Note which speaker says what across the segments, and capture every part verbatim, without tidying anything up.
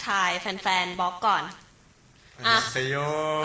Speaker 1: ทายแฟนๆบล็อกก่อน
Speaker 2: อ่ะเซโย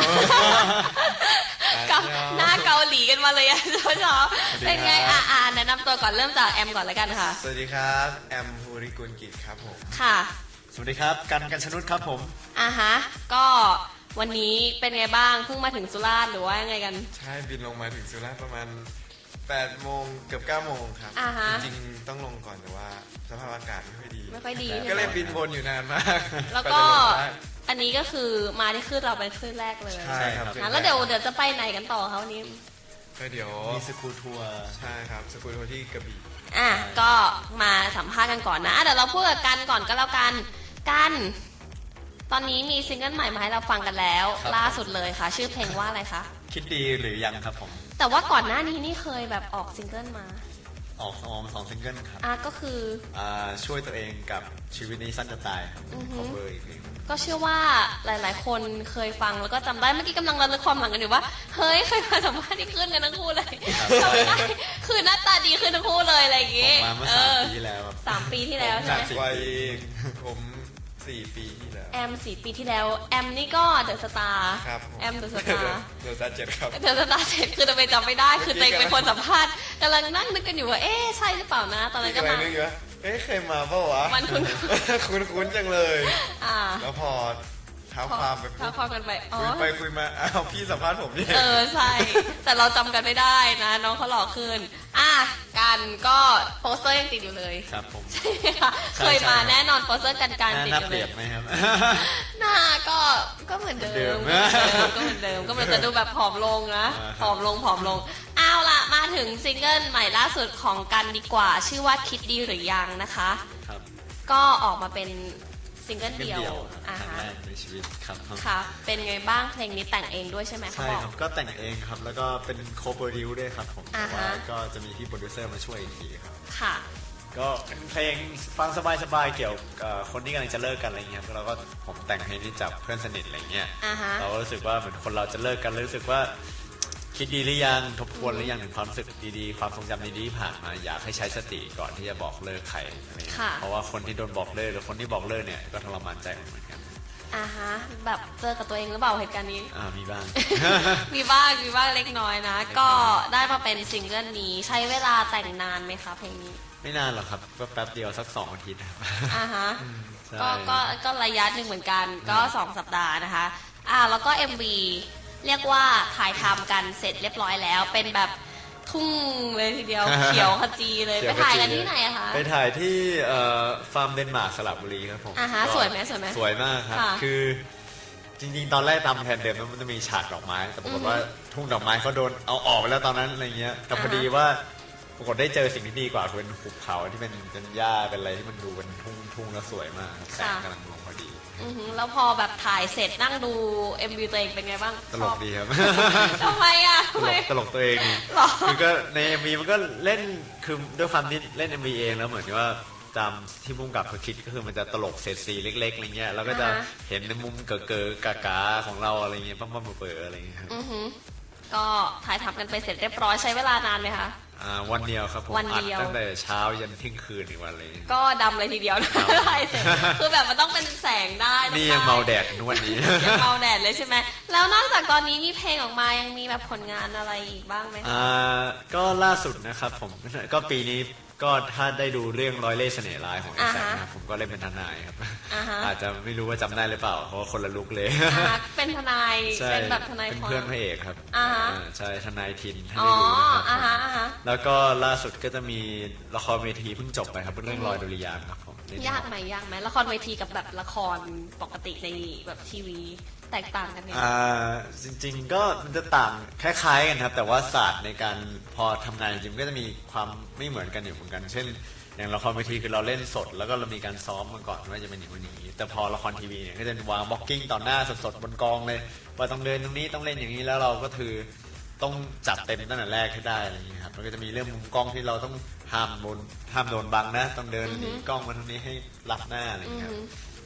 Speaker 1: กับหน้าเกาหลีกันมาเลยอ่ะเช้าๆเป็นไงอ่ะอ่าแนะนำตัวก่อนเริ่มจากแอมก่อนเลยกันค่ะ
Speaker 2: สวัสดีครับแอมภูริกุลกิจครับผม
Speaker 1: ค่ะ
Speaker 3: สวัสดีครับกันกันชนุชครับผม
Speaker 1: อ่ะฮะก็วันนี้เป็นไงบ้างเพิ่งมาถึงสุราษฎร์หรือว่ายังไงกัน
Speaker 2: ใช่บินลงมาถึงสุราษฎร์ประมาณแปดโมงเกือบเก้าโมงครับจริงๆต้องลงก่อนแต่ว่าสภาพอากาศไม่ค่อยดี
Speaker 1: ไม่ค่อยดี
Speaker 2: ก็เลยบินวนอยู่นานมาก
Speaker 1: แล้วก็อันนี้ก็คือมาที่ขึ้นเราเป็นขึ้นแรกเลย
Speaker 2: ใช่ครับ
Speaker 1: แล้วเดี๋ยวเดี๋ยวจะไปไหนกันต่อคะวันนี้
Speaker 2: ก็เดี๋ยว
Speaker 3: มีสกูทัวร์
Speaker 2: ใช่ครับสกูทัวร์ที่กระบี่
Speaker 1: อ่ะก็มาสัมภาษณ์กันก่อนนะเดี๋ยวเราพูดกันก่อนก็แล้วกันกันตอนนี้มีซิงเกิลใหม่มาให้เราฟังกันแล้วล่าสุดเลยค่ะชื่อเพลงว่าอะไรคะ
Speaker 3: คิดดีหรือยังครับผม
Speaker 1: แต่ว่าก่อนหน้านี้นี่เคยแบบออกซิงเกิลมา
Speaker 3: ออกออกสองซิงเกิลครับ
Speaker 1: อ่ะก็คือ
Speaker 3: อ่าช่วยตัวเองกับชีวิตนี้สั้นจะตายครับคอเวอร์อีกเพลง
Speaker 1: ก็เชื่อว่าหลายๆคนเคยฟังแล้วก็จำได้เมื่อกี้กำลังระลึกความหลังกันอยู่ว่าเฮ้ยเคยมาสัมภาษณ์ที่ขึ้นกันทั้งคู่เลยจำได้คือหน้าตาดีขึ้นทั้งคู่เลยอะไรอย่างงี้
Speaker 3: มาเมื่อสามปีที่แล้ว
Speaker 1: สามปีที่แล้วใช่ไหม
Speaker 2: วัยผมสี่ปีที่แล้ว
Speaker 1: แอมสี่ปีที่แล้วแอมนี่ก็เดอะสตาร์แอมเดอะสตาร์
Speaker 2: เดอะสตาร์เจ็ดครับ
Speaker 1: เดอะสตาร์เจ็ดคือทำไมจำไม่ได้คือตัวเองเป็นคนสัมภาษณ์กำลังนั่งนึกกันอยู่ว่าเอ๊ะใช่หรือเปล่านะตอนนั้นก็มา
Speaker 2: เอ๊ะเคยมาเปล่าวะ
Speaker 1: มันคุ้น
Speaker 2: คุ้นคุ้นจังเลยแล้วพอเท้าความไป
Speaker 1: เท้าความกันไป
Speaker 2: คุยไปคุยมาอ้าวพี่สัมภาษณ์ผมนี่
Speaker 1: เออใช่แต่เราจำกันไม่ได้นะน้องเขาหล่อขึ้นอ่ะกันก็โปสเตอร์ยังติดอยู่เลย
Speaker 3: ครับผม
Speaker 1: ใช่ค่ะเคยมาแน่นอนโปสเตอร์กันการติดอยู่เลย
Speaker 3: หน้าเปรียบไหมครับ
Speaker 1: หน้าก็ก็เหมือนเดิมก็เหมือนเดิมก็เหมือนจะดูแบบผอมลงนะผอมลงผอมลงเอาล่ะมาถึงซิงเกิลใหม่ล่าสุดของกันดีกว่าชื่อว่าคิดดีหรือยังนะคะ
Speaker 3: ครับ
Speaker 1: ก็ออกมาเป็นซิงเกิลเดียว
Speaker 3: อ่าฮะในชีวิตครับ
Speaker 1: ค่ะเป็นไงบ้างเพลงนี้แต่งเองด้วยใช่ไหม
Speaker 3: ใช่ครับก็แต่งเองครับแล้วก็เป็นโคโปรดิวด้วยครับผมแต่ว่าก็จะมีพี่โปรดิวเซอร์มาช่วยอีกทีครับ
Speaker 1: ค่ะ
Speaker 3: ก็เป็นเพลงฟังสบายๆเกี่ยวกับคนที่กำลังจะเลิกกันอะไรเงี้ยแล้วก็ผมแต่งเพลงที่จับเพื่อนสนิทอะไรเงี้ยเราก็รู้สึกว่าเหมือนคนเราจะเลิกกันรู้สึกว่าคิดดีหรือยังทบทวนหรือยังถึงความรู้สึกดีๆความทรงจำดีๆที่ผ่านมาอยากให้ใช้สติก่อนที่จะบอกเลิกใครอะไรเพราะว่าคนที่โดนบอกเลิกหรือคนที่บอกเลิกเนี่ยก็ทรมานใจเหมือนกัน
Speaker 1: อ่าฮะแบบเจอกับตัวเองหรือเปล่าเหตุการณ์นี้
Speaker 3: อ่ามีบ้าง
Speaker 1: มีบ้างมีบ้างเล็กน้อยนะก็ได้มาเป็นซิงเกิลนี้ใช้เวลาแต่งนานไหมคะเพลงนี้
Speaker 3: ไม่นานหรอกครับก็แป๊บเดียวสักสองอาทิตย์ครับ
Speaker 1: อ่าฮะก็ก็ก็ระยะหนึ่งเหมือนกันก็สองสัปดาห์นะคะอ่าแล้วก็ เอ็ม วี เรียกว่าถ่ายทำกันเสร็จเรียบร้อยแล้วเป็นแบบทุ่งเลยทีเดียวเขียวขจีเลยไปถ่ายกันที่ไหนอะคะ
Speaker 3: ไปถ่ายที่ฟาร์มเดนมาร์กสระบุรีครับผม
Speaker 1: อ่าฮะสวยไหมสวยไหม
Speaker 3: สวยมากครับคือจริงๆตอนแรกตามแผนเดิมมันจะมีฉากดอกไม้แต่ปรากฏว่าทุ่งดอกไม้เขาโดนเอาออกไปแล้วตอนนั้นอะไรเงี้ยแต่พอดีว่าปรากฏได้เจอสิ่งที่ดีกว่าคือเป็นหุบเขาที่เป็นเป็นหญ้าเป็นอะไรที่มันดูเป็นทุ่งทุ่งแล้วสวยมากแสงกำลังลงพอดี
Speaker 1: แล้วพอแบบถ่ายเสร็จนั่งดู เอ็ม วี ตัวเองเป็นไงบ้าง
Speaker 3: ตลกดีครับ
Speaker 1: ทำไมอ่ะ
Speaker 3: ตลกตลกตัวเองนี่คือก็ใน เอ็ม วี มันก็เล่นคือด้วยความที่เล่น เอ็ม วี เองแล้วเหมือนว่าตามที่มุ่งกับเขาคิดก็คือมันจะตลกเศษสีเล็กๆอะไรเงี้ยแล้วก็จะเห็นในมุมเก๋ๆกากๆของเราอะไรเงี้ยปั๊มๆเปิดๆอะไรเงี้ย
Speaker 1: ก็ถ่ายทำกันไปเสร็จเรียบร้อยใช้เวลานานไหมคะ
Speaker 3: อ่าวันเดียวครับผมอัดตั้งแต่เช้ายันเที่ยงคืนอีกวันเลย
Speaker 1: ก็ดำเลยทีเดียวนะถ่ายเสร็จคือแบบมันต้องเป็นแสงได้
Speaker 3: นี่ยังเมาแดดนวดนี้
Speaker 1: ยังเมาแดดเลยใช่ไหมแล้วนอกจากตอนนี้มีเพลงออกมายังมีแบบผลงานอะไรอีกบ้างไหม
Speaker 3: อ่าก็ล่าสุดนะครับผมก็ปีนี้ก็ถ้าได้ดูเรื่องร้อยเล่ห์เสน่ห์ร้ายของไอ้แสงนะผมก็เล่นเป็นทนายครับอาจจะไม่รู้ว่าจำได้หรือเปล่าเพราะว่าคนละลุกเลย
Speaker 1: เป็นทนายเป็นแบบทนาย
Speaker 3: เป็นเพื่อนพระเอกครับใช่ทนายทิน
Speaker 1: ถ้าได้ดู
Speaker 3: นะครับแล้วก็ล่าสุดก็จะมีละครเวทีเพิ่งจบไปครับเรื่องรอยดุริยางค์ครับผม
Speaker 1: ยากไหมยากไหมละครเวทีกับแบบละครปกติในแบบทีวีแตกต่างกันไหม
Speaker 3: อ่าจริงๆก็มันจะต่างคล้ายๆกันครับแต่ว่าศาสตร์ในการพอทำงานจริงๆก็จะมีความไม่เหมือนกันอยู่เหมือนกันเช่นอย่างละครเวทีคือเราเล่นสดแล้วก็เรามีการซ้อมมาก่อนว่าจะเป็นอย่างนี้แต่พอละครทีวีเนี่ยก็จะวางบล็อกกิ้งต่อหน้าสดๆบนกองเลยว่าต้องเดินตรงนี้ต้องเล่นอย่างนี้แล้วเราก็คือต้องจัดเต็มตั้งแต่แรกให้ได้อะไรอย่างนี้ครับมันก็จะมีเรื่องมุมกล้องที่เราต้องห้ามโดนห้ามโดนบังนะต้องเดินหนีกล้องมาตรงนี้ให้รับหน้าอะไรอย่างนี้ครับ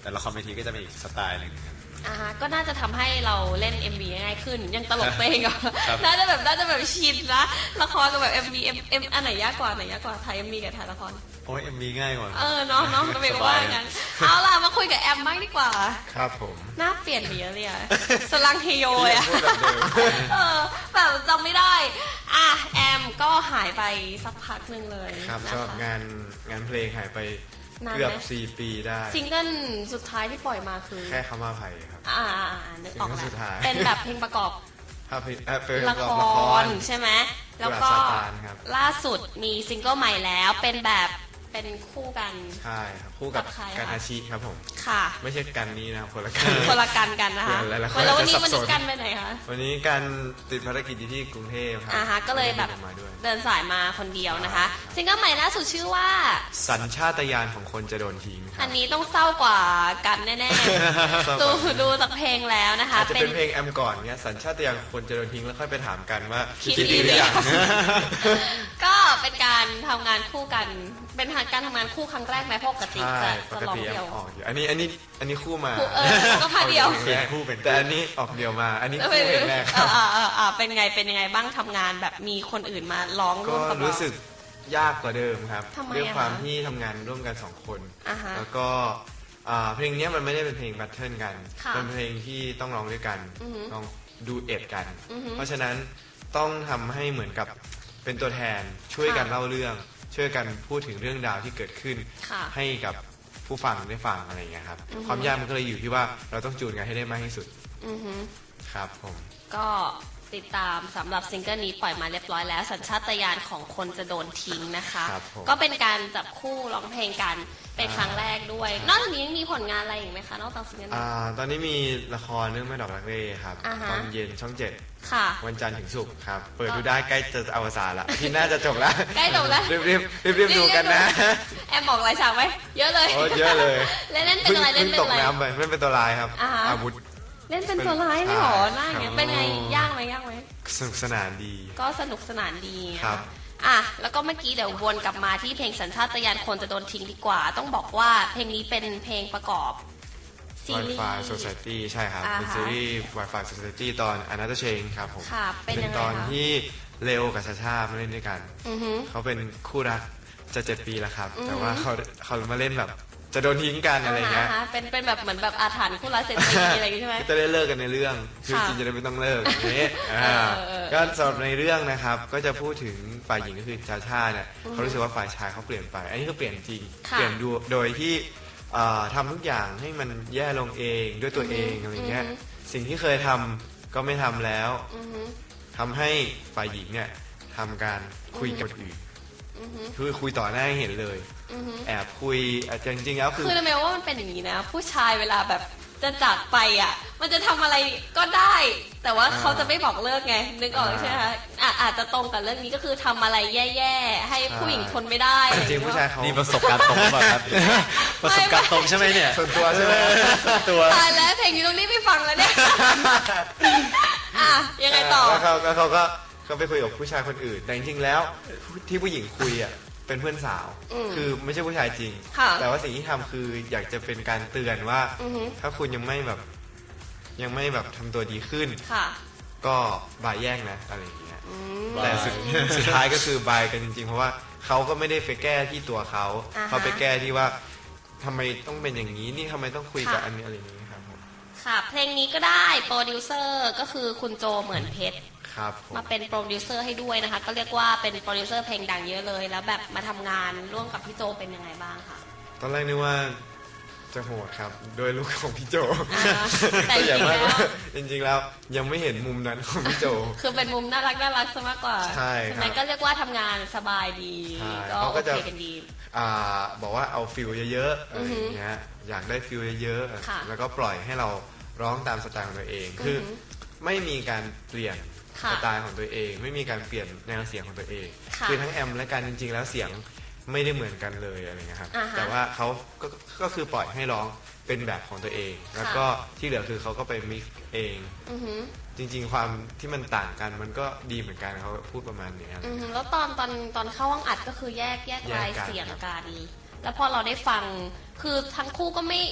Speaker 3: แต่ละครเวทีก็จะเป็นอีกสไตล์หนึ่งครับ
Speaker 1: อ่าฮะก็น่าจะทำให้เราเล่น เอ็ม วี ง่ายขึ้นยังตลกตัวเองอ่ะน่าจะแบบน่าจะแบบชินนะละครกับแบบ เอ็ม วี เอ็ม เอ็ม อันไหนยากกว่าไหนยากกว่าถ่าย เอ็ม วี กับถ่ายละคร
Speaker 3: โอ้ย เอ็ม วี ง่ายกว่า
Speaker 1: เออเนาะเนาะเราเป็นว่างั้นเอาล่ะมาคุยกับแอมบ้างดีกว่า
Speaker 2: ครับผม
Speaker 1: หน้าเปลี่ยนไปเยอะเลยอะสลังเฮโยเลยอะเออแบบจำไม่ได้อ่ะแอมก็หายไปสักพักนึงเลย
Speaker 2: ครับก็งานงานเพลงหายไปเกือบสี่ปีได้
Speaker 1: ซิงเกิลสุดท้ายที่ปล่อยมาคือ
Speaker 2: แค่คำว่าภัยครับ
Speaker 1: อ่านึกออกแล้วเป็นแบบเพลงประกอบละครใช่ไหมแล้วก็ล่าสุดมีซิงเกิลใหม่แล้วเป็นแบบเป็นคู่กัน
Speaker 2: ใช่ครับคู่กับกันอาชิครับผม
Speaker 1: ค่ะ
Speaker 2: ไม่ใช่กันนี้นะคนละกัน
Speaker 1: คนละกันกันนะคะแล้ววันนี้มันกันไปไหนคะ
Speaker 2: วันนี้กันติดภารกิจอยู่ที่กรุงเทพครับ
Speaker 1: อ่าฮะก็เลยแบบเดินสายมาคนเดียวนะคะซิงเกิลใหม่ล่าสุดชื่อว่า
Speaker 2: สัญชาตญาณของคนจะโดนทิ้ง
Speaker 1: อันนี้ต้องเศร้ากว่ากันแน่ๆดูดูจากเพลงแล้วนะคะ
Speaker 2: จะเป็นเพลงแอมก่อนเนี้ยสัญชาตญาณของคนจะโดนทิ้งแล้วค่อยไปถามกันว่าคิดดีหรือยัง
Speaker 1: ก็เป็นการทำงานคู่กันเป็นการทำงานคู่ครั้งแรกไหมปกติจะจะลองเดียว
Speaker 2: อันนี้อันนี้อันนี้คู่มา
Speaker 1: เออก็พาเดียว
Speaker 2: เป็นคู่เป็นแต่อันนี้ออกเดียวมาอันนี้คู่เป็นแรกครับ
Speaker 1: อ่าอ่าเป็นไงเป็นยังไงบ้างทำงานแบบมีคนอื่นมาร้องร่วมกับเรา
Speaker 2: ก็รู้สึกยากกว่าเดิมครับด้วยความที่ทำงานร่วมกันสองคนแล้วก็เพลงนี้มันไม่ได้เป็นเพลงแบทเทิลกันเป็นเพลงที่ต้องร้องด้วยกันต้องดูเอ็ดกันเพราะฉะนั้นต้องทำให้เหมือนกับเป็นตัวแทนช่วยกันเล่าเรื่องช่วยกันพูดถึงเรื่องราวที่เกิดขึ้นให้กับผู้ฟังได้ฟังอะไรอย่างเงี้ยครับความยากมันก็เลยอยู่ที่ว่าเราต้องจูนกันให้ได้มากที่สุดครับผม
Speaker 1: ก็ติดตามสำหรับซิงเกิลนี้ปล่อยมาเรียบร้อยแล้วสัญชาตญาณของคนจะโดนทิ้งนะคะก็เป็นการจับคู่ร้องเพลงกันเป็นครั้งแรกด้วยนอกจากนี้ยังมีผลงานอะไรอีกไหมคะนอกจากซิงเกิลนี้
Speaker 2: ตอนนี้มีละครเรื่องแม่ดอกรักเร่ครับตอนเย็นช่องเจ็ดวันจันทร์ถึงศุกร์ครับเปิดดูได้ใกล้จะอวสานละที่น่าจะจบแล้ว
Speaker 1: ใกล้จบแล้ว
Speaker 2: รีบรีบรีบรีบดูกันนะ
Speaker 1: แอมบอกหลายฉากไหมเยอะเลย
Speaker 2: โอ้เยอะเลย
Speaker 1: เล่นเป็นอะไรเล่นเป็นอะไร
Speaker 2: ตกน้ำไปเล่นเป็นตัวร้ายครับอาวุธ
Speaker 1: เล่นเป็นตัวร้ายไม่หรอหน้าอย่างเงี้ยเป็นไงยากไหมยากไหม
Speaker 2: สนุกสนานดี
Speaker 1: ก็สนุกสนานดีครับอ่ะแล้วก็เมื่อกี้เดี๋ยววนกลับมาที่เพลงสัญชาตญาณคนจะโดนทิ้งดีกว่าต้องบอกว่าเพลงนี้เป็นเพลงประกอบซีรีส์
Speaker 2: Wi-Fi Society ใช่ครับเป็นซีรีส์ Wi-Fi Society ตอน Another Change ครับผม
Speaker 1: เป็น
Speaker 2: ตอนที่เลโอกับชาชามาเล่นด้วยกันเขาเป็นคู่รักจะเจ็ดปีแล้วครับแต่ว่าเขาเขามาเล่นแบบจะโดนทิ้งกันอะไรเงี้ย
Speaker 1: เป็นเป็นแบบเหมือนแบบอาถรรพ์คู่รักเศรษฐีอะไรอย่างงี้ใช่ไหม
Speaker 2: จะได้เลิกกันในเรื่องคือจริงจะได้ไม่ต้องเลิกอย่างนี้ก็สำหรับในเรื่องนะครับก็จะพูดถึงฝ่ายหญิงก็คือชาชาเนี่ยเขารู้สึกว่าฝ่ายชายเขาเปลี่ยนไปอันนี้คือเปลี่ยนจริงเปลี่ยนดูโดยที่ทำทุกอย่างให้มันแย่ลงเองด้วยตัวเองอะไรเงี้ยสิ่งที่เคยทำก็ไม่ทำแล้วทำให้ฝ่ายหญิงเนี่ยทำการคุยกับอื่นคือคุยต่อหน้าให้เห็นเลยแอบคุยจริงๆแล้วคือ
Speaker 1: คือทำไมว่ามันเป็นอย่างนี้นะผู้ชายเวลาแบบจะจากไปอ่ะมันจะทำอะไรก็ได้แต่ว่าเขาจะไม่บอกเลิกไงนึกออกใช่ไหมคะอาจจะตรงกับเรื่องนี้ก็คือทำอะไรแย่ๆให้ผู้หญิงทนไม่ได้
Speaker 2: จริงผู้ชายเขา
Speaker 3: นี่ประสบการณ์ตรงแบบครับประสบการณ์ตรงใช่ไหมเนี่ย
Speaker 2: ส่วนตัวใช่ไหม
Speaker 1: ตัวตายแล้วเพลงนี้ตรงนี้ไม่ฟังแล้วเนี่ยอ่ะยังไงต่อ
Speaker 2: แล้วเขาเขาก็ก็ไปคุยกับผู้ชายคนอื่นแต่จริงๆแล้วที่ผู้หญิงคุยอ่ะเป็นเพื่อนสาวคือไม่ใช่ผู้ชายจริงแต่ว่าสิ่งที่ทำคืออยากจะเป็นการเตือนว่าถ้าคุณยังไม่แบบยังไม่แบบทำตัวดีขึ้นก็บายแย่งนะอะไรอย่างเงี้ยแต่สุดท้ายก็คือบายกันจริงๆเพราะว่าเขาก็ไม่ได้ไปแก้ที่ตัวเขาเขาไปแก้ที่ว่าทำไมต้องเป็นอย่างนี้นี่ทำไมต้องคุยกับอันนี้อะไรอย่างนี้ครับผม
Speaker 1: ค่ะเพลงนี้ก็ได้โปรดิวเซอร์ก็คือคุณโจเหมือนเพชรมาเป็นโปรดิวเซอร์ให้ด้วยนะคะก็เรียกว่าเป็นโปรดิวเซอร์เพลงดังเยอะเลยแล้วแบบมาทำงานร่วมกับพี่โจเป็นยังไงบ้างคะ
Speaker 2: ตอนแรกนึกว่าจะโหดครับโดยลูกของพี่โจ
Speaker 1: แต่จริงแล้ว
Speaker 2: จริงๆแล้วยังไม่เห็นมุมนั้นของพี่โจ
Speaker 1: คือเป็นมุมน่ารักน่ารักซะมากกว่า
Speaker 2: ใช่ครับ
Speaker 1: ก็เรียกว่าทำงานสบายดีก็โอเคกันดี
Speaker 2: บอกว่าเอาฟิลเยอะๆอะไรอย่างเงี้ยอยากได้ฟิลเยอะๆแล้วก็ปล่อยให้เราร้องตามสไตล์ของตัวเองคือไม่มีการเปลี่ยนสไตล์ของตัวเองไม่มีการเปลี่ยนแนวเสียงของตัวเองคือทั้งแอมและการจริงๆแล้วเสียงไม่ได้เหมือนกันเลยอะไรเงี้ยครับแต่ว่าเขาก็ก็คือปล่อยให้ร้องเป็นแบบของตัวเองแล้วก็ที่เหลือคือเขาก็ไปมิกซ์เองจริงๆความที่มันต่างกันมันก็ดีเหมือนกันเขาพูดประมาณนี้
Speaker 1: แล้วตอนตอนตอนเข้าห้องอัดก็คือแยกแยกลายเสียงกันแล้วพอเราได้ฟังคือทั้งคู่ก็ไม่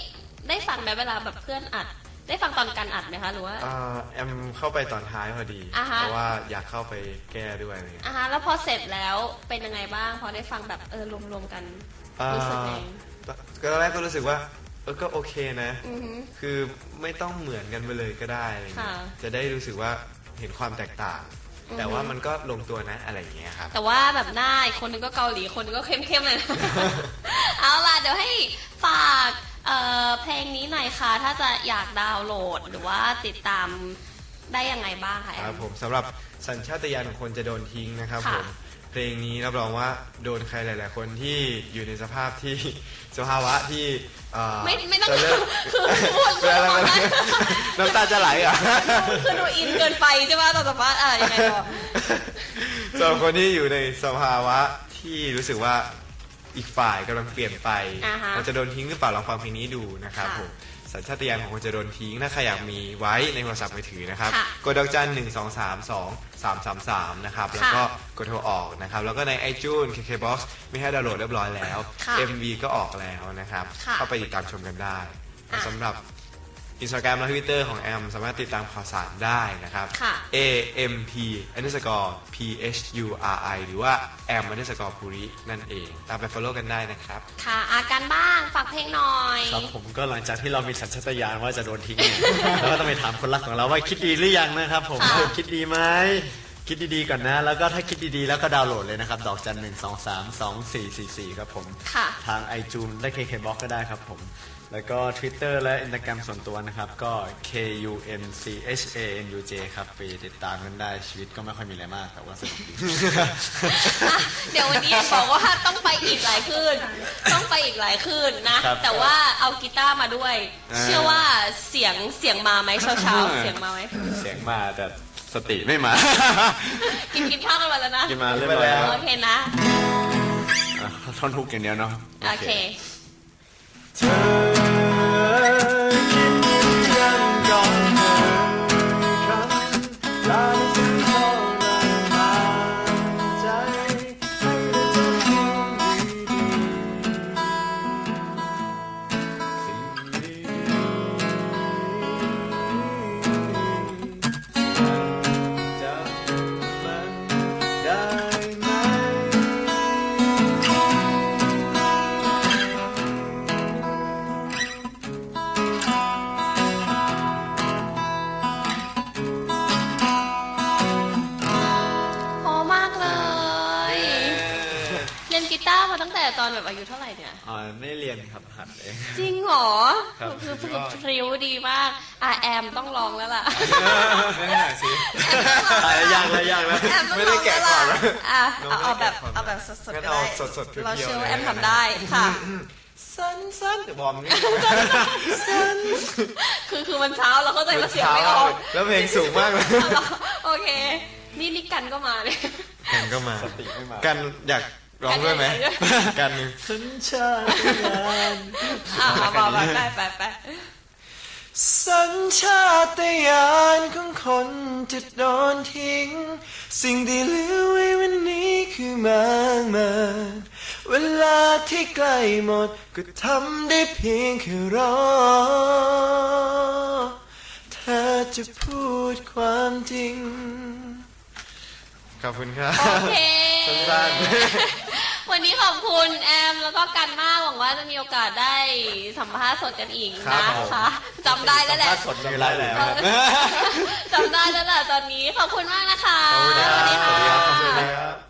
Speaker 1: ได้ฟังไหมเวลาแบบเพื่อนอัดได้ฟังตอนการอัดไหมคะหรือว่า
Speaker 2: อ่าแอมเข้าไปตอนท้ายพอดี
Speaker 1: อ่าฮะ
Speaker 2: เพราะว่าอยากเข้าไปแก้ด้วยอะไรเงี้ย
Speaker 1: อ่ะฮะแล้วพอเสร็จแล้วเป็นยังไงบ้างพอได้ฟังแบบเออรวมๆกันรู้สึกไง
Speaker 2: อ่าก็ตอนแรกก็รู้สึกว่าเออก็โอเคนะ
Speaker 1: อือหือ
Speaker 2: คือไม่ต้องเหมือนกันไปเลยก็ได้อะไรเงี้ย
Speaker 1: ค่ะ
Speaker 2: จะได้รู้สึกว่าเห็นความแตกต่าง
Speaker 1: อือฮึ
Speaker 2: แต่ว่ามันก็ลงตัวนะอะไรอย่างเงี้ยครับ
Speaker 1: แต่ว่าแบบหน้าอีกคนนึงก็เกาหลีคนนึงก็เข้มๆเลยนะ เอาล่ะเดี๋ยวให้ฝากเอ่อเพลงนี้หน่อยค่ะ ถ้าจะอยากดาวน์โหลดหรือว่าติดตามได้ยังไงบ้างคะแอ
Speaker 2: ครับ
Speaker 1: ม
Speaker 2: ผมสำหรับสัญชาตญาณของคนจะโดนทิ้งนะครับ
Speaker 1: ค่ะ
Speaker 2: ผมเพลงนี้รับรองว่าโดนใครหลาย ๆ คนที่อยู่ในสภาพที่ สภาวะที่เอ่อ
Speaker 1: ไม่ไม่ต้อง
Speaker 2: จะเลิก
Speaker 1: คือพูด
Speaker 2: เป็นอะไรเป็นอะไรน้ำตาจะไหลอ่ะ
Speaker 1: คือดูอินเกินไปใช่ไหมตอนสัมภาษณ์อ่ะยังไงต่อ
Speaker 2: สำหรับคนที่อยู่ในสภาวะที่รู้สึกว่าอีกฝ่ายกำลังเปลี่ยนไป
Speaker 1: อ่าฮะ
Speaker 2: เราจะโดนทิ้งหรือเปล่าลองฟังเพลงนี้ดูนะครับ
Speaker 1: ค่ะ
Speaker 2: ผมสัญชาตญาณของคนจะโดนทิ้งถ้าใครอยากมีไว้ในโทรศัพท์มือถือนะครับ
Speaker 1: ค่ะ
Speaker 2: กดดอกจันหนึ่งสองสามสองสามสามสามนะครับแล้วก็กดโทรออกนะครับแล้วก็ใน iTunes เค เค บ็อกซ์ มีให้ดาวน์โหลดเรียบร้อยแล้ว
Speaker 1: ค่ะ
Speaker 2: เอ็ม วี ก็ออกแล้วนะครับ
Speaker 1: ค่ะ
Speaker 2: เข้าไปติดตามชมกันได้
Speaker 1: อ่ะ
Speaker 2: สำหรับอินสตาแกรมและทวิตเตอร์ของแอมสามารถติดตามข่าวสารได้นะครับ
Speaker 1: ค่ะ
Speaker 2: A M P underscore P H U R I หรือว่า M underscore ภูรินั่นเอง ตามไป follow กันได้นะครับ
Speaker 1: ค่ะอาการบ้างฝากเพลงหน่อย
Speaker 3: ครับผมก็หลังจากที่เรามีสัญชาตญาณว่าจะโดนทิ้งเนี่ย เราก็ต้องไปถามคนรักของเราว่าคิดดีหรือยังนะครับผม
Speaker 1: ค่ะ
Speaker 3: คิดดีไหมคิดดีๆก่อนนะ แล้วก็ถ้าคิดดีๆแล้วก็ดาวน์โหลดเลยนะครับดอกจันหนึ่งสองสามสองสี่สี่สี่ครับผม
Speaker 1: ค่ะ
Speaker 3: ทาง iTunes และ เค เค บ็อกซ์ ก็ได้ครับผม แล้วก็ Twitter และ Instagram ส่วนตัวนะครับ ก็ K U N C H A N U J ครับไปติดตามกันได้ชีวิตก็ไม่ค่อยมีอะไรมากแต่ว่าสนุกดี
Speaker 1: อ่ะเดี๋ยววันนี้บอกว่าต้องไปอีกหลายคืนต้องไปอีกหลายคืนนะ
Speaker 3: ครับ
Speaker 1: แต่ว่าเอากีตาร์มาด้วย
Speaker 2: อ่า
Speaker 1: เชื่อว่าเสียงเสียงมาไหมเช้าเช้าๆเสียงมาไหม
Speaker 3: เสียงมาแต่สติไม่มา
Speaker 1: กินกินข้าวกันมาแล้วนะ
Speaker 3: กินมาเรียบร้อยแล้ว
Speaker 1: โอเคนะ
Speaker 3: อ่ะท่อนฮุกอย่างเดียวเนาะ
Speaker 1: โอเค
Speaker 3: เธอคิดยังก่อนเธอครั้งตาฉันทรมานใจให้เธอดูดีๆสิ่งดีๆจำมันได้ไหม
Speaker 1: พอมากเลย เรียนกีตาร์มาตั้งแต่ตอนแบบอายุเท่าไหร่เนี่ย
Speaker 3: อ่าไม่เรียนครับหัดเอง
Speaker 1: จริงเหรอ
Speaker 3: ครับ
Speaker 1: คือคือพริ้วดีมากอ่ะแอมต้องลองแล้วล่ะ
Speaker 2: ไม่ได้สิ
Speaker 1: แอมต้องลอง
Speaker 3: ยากแล้วยากแล้ว
Speaker 1: แอมต้อง
Speaker 2: ไม่
Speaker 1: ล
Speaker 2: ได้
Speaker 1: อง
Speaker 2: แกะ
Speaker 1: แล้ว
Speaker 2: ก่
Speaker 1: ล่ะ
Speaker 2: อนนะ
Speaker 1: อ่ะ
Speaker 2: น้
Speaker 1: เอา
Speaker 2: องไม่
Speaker 1: เอาแบบ
Speaker 2: แกะก่อน
Speaker 1: เอาแบบสดๆ
Speaker 2: งั้น
Speaker 1: ก็
Speaker 2: เอา
Speaker 1: ได้
Speaker 2: สดๆเพียวๆ
Speaker 1: เราเชื่อว่า
Speaker 2: เลย
Speaker 1: แอมทำได้ค่ะ
Speaker 2: สั้นๆแต่บอมนี่
Speaker 1: คือคือมันเช้าเราเข้าใจว่าเสียงไม่ออก
Speaker 2: แล้วเพลงสูงมากเลย
Speaker 1: เอาเหรอโอเค นี่นี่กันก็มาเลย
Speaker 2: กันก็มา
Speaker 3: สติไม่มา
Speaker 2: กันอยากร้องด้วยไหม
Speaker 1: กันอยากร้องด้วย
Speaker 2: กันหนึ่ง
Speaker 3: สัญชาตญาณ
Speaker 1: อ่ามามาไปไปไป
Speaker 2: สัญชาตญาณของคนจะโดนทิ้ง สิ่งที่เหลือไว้วันนี้คือมากมายเวลาที่ใกล้หมดก็ทำได้เพียงแค่รอเธอจะพูดความจริง ขอบคุณครับ
Speaker 1: โอเค
Speaker 2: สั้น
Speaker 1: วันนี้ขอบคุณแอมแล้วก็กันมากหวังว่าจะมีโอกาสได้สัมภาษณ์สดกันอีก
Speaker 2: ครับ
Speaker 1: นะ
Speaker 2: ผม
Speaker 1: คะจำได้แล้วแหละ
Speaker 3: ถ้าสดจำได้แล้ว
Speaker 1: จำได้แล้วแหละตอนนี้ขอบคุณมากนะคะ
Speaker 2: ขอบคุณครับ
Speaker 1: สวัสดีค่ะ
Speaker 2: ขอบคุณครับ